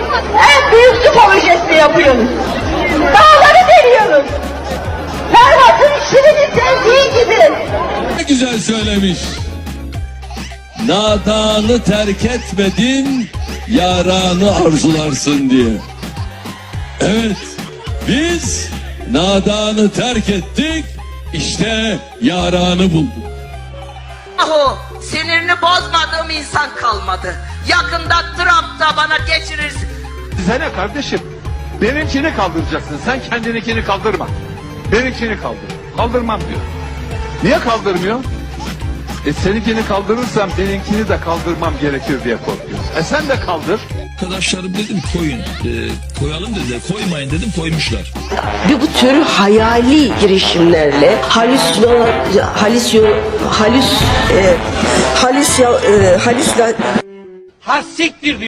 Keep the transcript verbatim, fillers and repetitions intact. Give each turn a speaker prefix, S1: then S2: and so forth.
S1: En büyük su projesini yapıyoruz. Dağları deliyoruz. Ferhat'ın şirini sevdiği gibi.
S2: Ne güzel söylemiş. Nadanı terk etmedin, yaranı arzularsın diye. Evet, biz nadanı terk ettik, işte yaranı bulduk.
S3: Yahu sinirini bozmadığım insan kalmadı. Yakında Trump da bana geçirir.
S4: Size ne kardeşim? Benimkini kaldıracaksın. Sen kendininkini kaldırma. Benimkini kaldır. Kaldırmam diyor. Niye kaldırmıyor? E seninkini kaldırırsam benimkini de kaldırmam gerekir diye korkuyor. E sen de kaldır.
S5: Arkadaşlarım dedim koyun, e, koyalım dediler, koymayın dedim, koymuşlar.
S6: Ve bu tür hayali girişimlerle halüsino, halüsyo, halüs, e, halüsya, e, halüsla...
S7: Ha siktir diyor.